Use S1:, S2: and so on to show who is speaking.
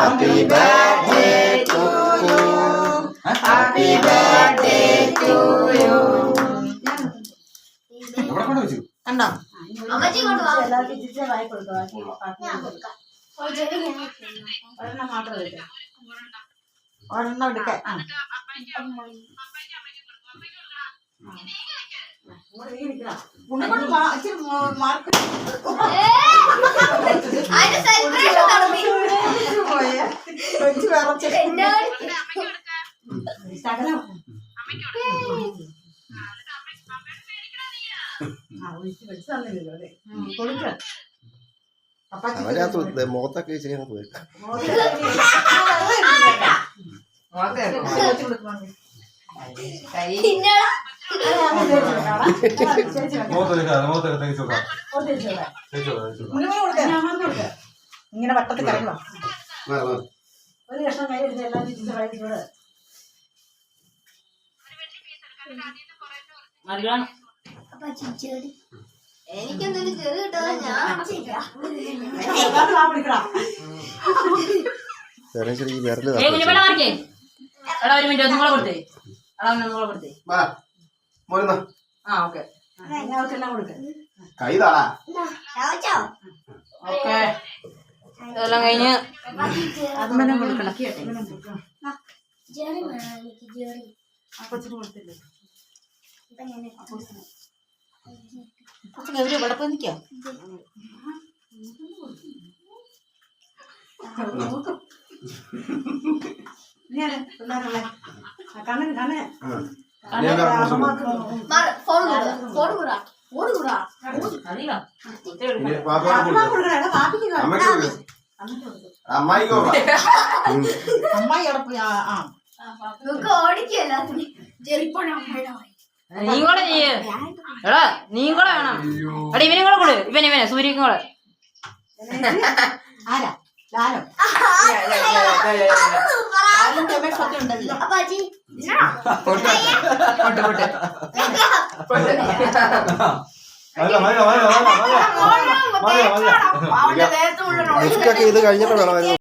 S1: Happy birthday to you. Happy birthday to you.
S2: കണ്ടോ ഒരെണ്ണം മാത്രം എടുക്കാം ഒരെണ്ണം എടുക്കാൻ
S1: മുഖത്തൊക്കെ ശരിയാണ് പോയി
S2: ഇങ്ങനെ വട്ടത്തിൽ കറങ്ങണം ഒരു കഷ്ണം കൈ എടുത്ത് എല്ലാം തിരിച്ചു
S3: എനിക്കെന്തെങ്കിലും ചെറു കിട്ടാതെ ഞാൻ
S4: ഇതെല്ലാം കഴിഞ്ഞ്
S2: ഗൗരി ഇവിടെ പോയി നിൽക്കോ
S1: അമ്മായി
S2: അവിടെ പോയി
S3: ഓടിക്കല്ല ചെറിപ്പോഴ
S4: നീ കൂടെ ചെയ്യ് എടാ നീ കൂടെ വേണം എടാ ഇവനും കൂടെ കൊടു ഇവനെ സൂര്യക്കും കൂടെ
S2: ആരാ ലാലോ
S3: അപ്പാച്ചി
S1: ഇത് കഴിഞ്ഞിട്ട് വേണം